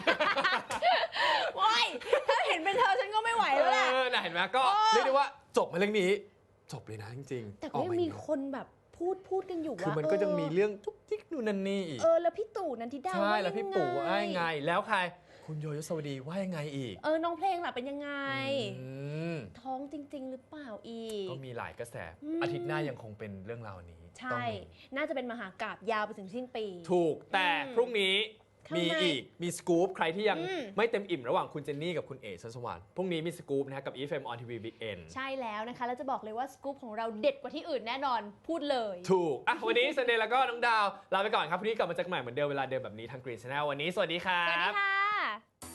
Speaker 4: ว้ายถ้าเห็นเป็นเธอฉันก็ไม่ไหวแล้วแหละ
Speaker 10: เออน่ะเห็นไหมก็
Speaker 4: โอ้
Speaker 10: เรียกได้ว่าจบมาเรื่องนี้ จบเลยนะจริงๆ
Speaker 4: แต่
Speaker 10: อ
Speaker 4: ก็
Speaker 10: อ
Speaker 4: ยัง
Speaker 10: มา
Speaker 4: มี
Speaker 10: อย่างนี้
Speaker 4: คนแบบพูดพูดกันอยู่ว่า
Speaker 10: คือมันก็ยังมีเรื่องทุกทิกนู่นนั่นนี่อีก
Speaker 4: เออแล้วพี่ตู่นันทิดา
Speaker 10: ใช่แล้วพี่ปู่ว่า
Speaker 4: ยั
Speaker 10: ยังไง แล้วใคร คุณโยยศวดีว่ายังไงอีก
Speaker 4: เออน้องเพลงล่ะเป็นยังไง
Speaker 10: อืม
Speaker 4: ท้องจริง ๆ หรือเปล่าอีก
Speaker 10: ก็มีหลายกระแส
Speaker 4: อืม
Speaker 10: อาทิตย์หน้ายังคงเป็นเรื่องราวนี้
Speaker 4: ใช่
Speaker 10: ต้องมี
Speaker 4: น่าจะเป็นมหากาพย์ยาวไปถึงสิ้นปี
Speaker 10: ถูกแต่
Speaker 4: อืม
Speaker 10: พรุ่งนี้
Speaker 4: ข้างใน
Speaker 10: มีอีกมีสกู๊ปใครที่ยัง
Speaker 4: อืม
Speaker 10: ไม่เต็มอิ่มระหว่างคุณเจนนี่กับคุณเอ๋ชัชวาลพรุ่งนี้มีสกู๊ปนะฮะกับ อี เอฟ เอ็ม on ที วี Big N
Speaker 4: ใช่แล้วนะคะ แล้วจะบอกเลยว่าสกู๊ปของเราเด็ดกว่าที่อื่นแน่นอนพูดเลย
Speaker 10: ถูกอ่ะวันนี้เซนเดย์แล้วก็น้องดาวลาไปก่อนครับพรุ่งนี้กลับมาเจอกันใหม่เหมือนเดิมเวลาเดิมแบบนี้ทาง Green Channel วันนี้สวัสดีครั
Speaker 4: สวัสดี
Speaker 10: บ
Speaker 4: ค่ะ